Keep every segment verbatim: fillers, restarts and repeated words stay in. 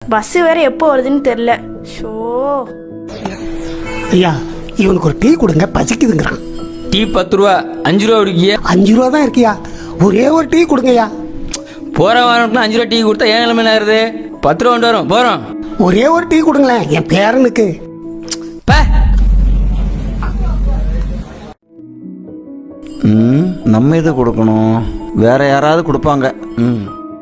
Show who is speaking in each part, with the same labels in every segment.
Speaker 1: Bus வேற எப்போ வருதுன்னு தெரியல. ஷோ
Speaker 2: ஐயா, இவனுக்கு ஒரு டீ கொடுங்க, பசிக்குதுங்கிறான்.
Speaker 3: டீ பத்து ரூபா, அஞ்சு ரூபா குடிக்கிய.
Speaker 2: அஞ்சு ரூபா தான் இருக்கியா, ஒரே ஒரு டீ கொடுங்கய்யா.
Speaker 3: போற வாரம் அஞ்சு ரூபா டீ கொடுத்தா ஏன் நிலைமை ஆகுது? பத்து ரூபா கொண்டு வரும் போறோம்.
Speaker 2: ஒரே ஒரு டீ கொடுங்களேன் என் பேரனுக்கு.
Speaker 4: ம் நம்ம இதை கொடுக்கணும், வேற யாராவது கொடுப்பாங்க. ம்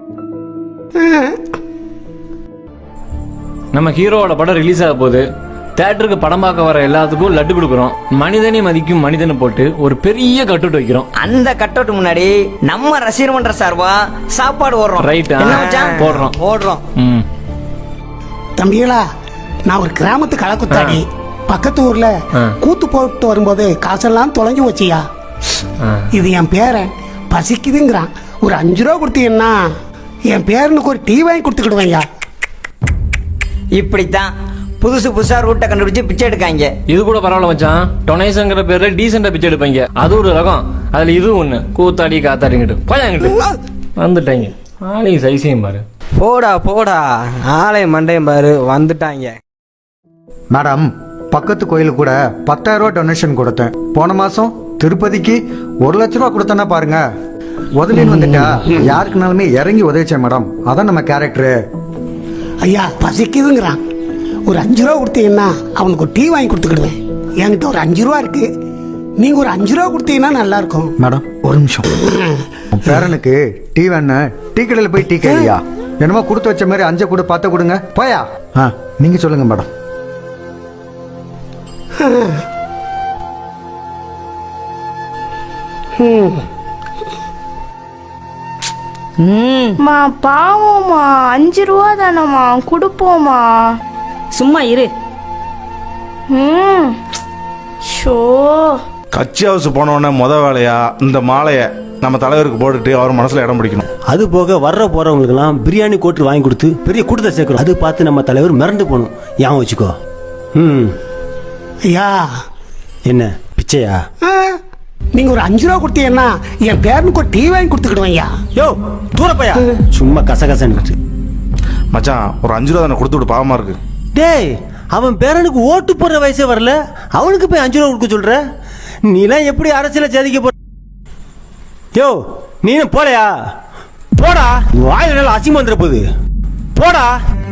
Speaker 5: நம்ம ஹீரோவோட படம் ரிலீஸ் ஆக போகுது. தியேட்டருக்கு படம் பார்க்க வர எல்லாத்துக்கும் லட்டு கொடுக்குறோம். மனிதனை மதிக்கும் மனிதனை போட்டு ஒரு பெரிய கட்டவுட் வைக்கிறோம்.
Speaker 6: அந்த கட்டவுட் முன்னாடி நம்ம ரசிகர் மன்ற சார்பா சாப்பாடு ஓடுறோம்.
Speaker 5: ரைட், போடுறோம்
Speaker 6: போடுறோம்.
Speaker 5: ம்
Speaker 2: தம்பிகளா, நான் ஒரு கிராமத்து களக்குத்தாடி. பக்கத்து ஊர்ல கூத்து போட்டு வரும்போது காசெல்லாம் தொலைஞ்சு வச்சியா. இது என் பேரன் பசிக்குதுங்கிறான். ஒரு அஞ்சு ரூபா கொடுத்தீங்கன்னா என் பேரனுக்கு ஒரு டீ வாங்கி கொடுத்துக்கிடுவேங்க.
Speaker 6: இப்படித்தான் புதுசு புதுசா ரூட்டை கண்டுபிடிச்சு பிச்சை எடுக்காங்க.
Speaker 5: இது கூட பரவாயில்ல மச்சான். டொனேஷன்ங்கிற பேர்ல டீசெண்டா பிச்சை எடுப்பாங்க. அது ஒரு ரகம். அதுல இது ஒண்ணு, கூத்தாடி காத்தாடிங்கிட்டு போயாங்கிட்டு வந்துட்டாங்க. ஆளையும் சைஸையும் பாரு.
Speaker 7: போடா போடா, ஆலயம் மண்டையும் பாரு வந்துட்டாங்க.
Speaker 8: மேடம், பக்கத்து கோயிலுக்கு கூட பத்தாயிரம் ரூபா டொனேஷன் கொடுத்தேன். போன மாசம் திருப்பதிக்கு ஒரு லட்ச ரூபா கொடுத்தேன்னா பாருங்க. உதவின்னு வந்துட்டா யாருக்குனாலுமே இறங்கி உதவிச்சேன் மேடம். அதான் நம்ம கேரக்டரு.
Speaker 2: ஐயா, பசிக்குதுங்கிறான். ஒரு அஞ்சு ரூபா கொடுத்தீங்கன்னா அவனுக்கு ஒரு டீ வாங்கி கொடுத்துக்கிடுவேன். என்கிட்ட ஒரு அஞ்சு ரூபா இருக்கு. நீங்க ஒரு அஞ்சு ரூபா கொடுத்தீங்கன்னா நல்லா இருக்கும்.
Speaker 8: மேடம் ஒரு நிமிஷம், பேரனுக்கு டீ வேணா டீ கடையில் போய் டீ கேளியா? என்னமோ கொடுத்து வச்ச மாதிரி அஞ்சை கூட பார்த்து கொடுங்க போயா. ஆ நீங்க சொல்லுங்க மேடம்.
Speaker 1: மா பாவமா, அஞ்சு ரூபா தானம்மா, கொடுப்போமா.
Speaker 9: சும்மா இரு.
Speaker 1: ம் ஷோ
Speaker 10: கட்சி ஹவுஸ் போனோடனே முத வேலையா இந்த மாலையை நம்ம தலைவருக்கு போட்டுட்டு அவர் மனசுல இடம் பிடிக்கணும்.
Speaker 11: அது போக வர்ற போறவங்களுக்கெல்லாம் பிரியாணி கோட்டு வாங்கி கொடுத்து பெரிய கூட்டத்தை சேர்க்கிறோம். அது பார்த்து நம்ம தலைவர் மிரண்டு போகணும். ஏன் வச்சுக்கோ. ம்
Speaker 2: ஐயா,
Speaker 11: என்ன பிச்சையா?
Speaker 2: நீங்க ஒரு அஞ்சு ரூபா கொடுத்தீங்கன்னா என் பேரனுக்கு ஒரு டீ வாங்கி கொடுத்துக்கிடுவேன்.
Speaker 11: யோ தூரப்பையா, சும்மா கசகசன்னு.
Speaker 10: மச்சான் ஒரு அஞ்சு ரூபா தானே கொடுத்து விட்டு பாவமா இருக்கு.
Speaker 11: டேய், அவன் பேரனுக்கு ஓட்டு போடுற வயசே வரல, அவனுக்கு போய் அஞ்சு ரூபா கொடுக்க சொல்ற? நீலாம் எப்படி அரசியல ஜாதிக்க போ? யோ நீ போலையா? போடா, வாயில நல்லா அசிங்கம் வந்துட போகுது. போடா.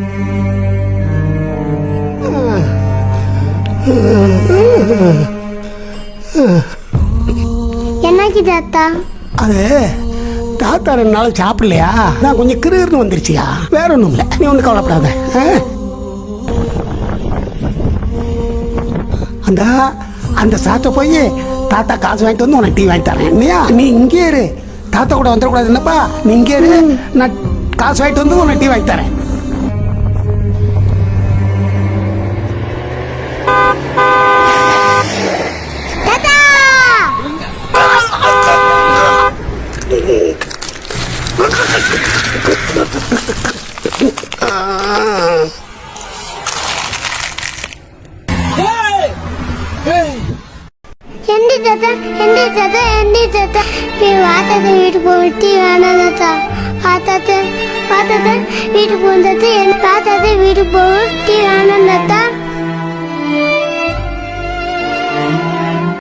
Speaker 12: என்னைக்கு தாத்தா?
Speaker 2: அது தாத்தா ரெண்டு நாள் சாப்பிடலையா, நான் கொஞ்சம் கிருன்னு வந்துருச்சியா. வேற ஒன்றும் இல்லை, நீ ஒன்றும் கவலைப்படாத. அந்த அந்த சாத்த போய் தாத்தா காசு வாங்கிட்டு வந்து உனக்கு டீ வாங்கி தரேன். இல்லையா, நீ இங்கே இரு. தாத்தா கூட வந்துடக்கூடாது. என்னப்பா, நீ இங்கே இரு. நான் காசு வாங்கிட்டு வந்து உனக்கு டீ வாங்கி தரேன்.
Speaker 12: எந்தி தாத்தா, எந்தி தாத்தா, எந்தி தாத்தா. வாத்தாத்த வீட்டுக்கு போயிட்டு வேணாம் தாத்தா. வாத்தாத்த வாத்தாத்த வீட்டுக்கு போன தாத்தா. என் தாத்தாத்த வீட்டுக்கு போயிட்டு வேணாம் தாத்தா.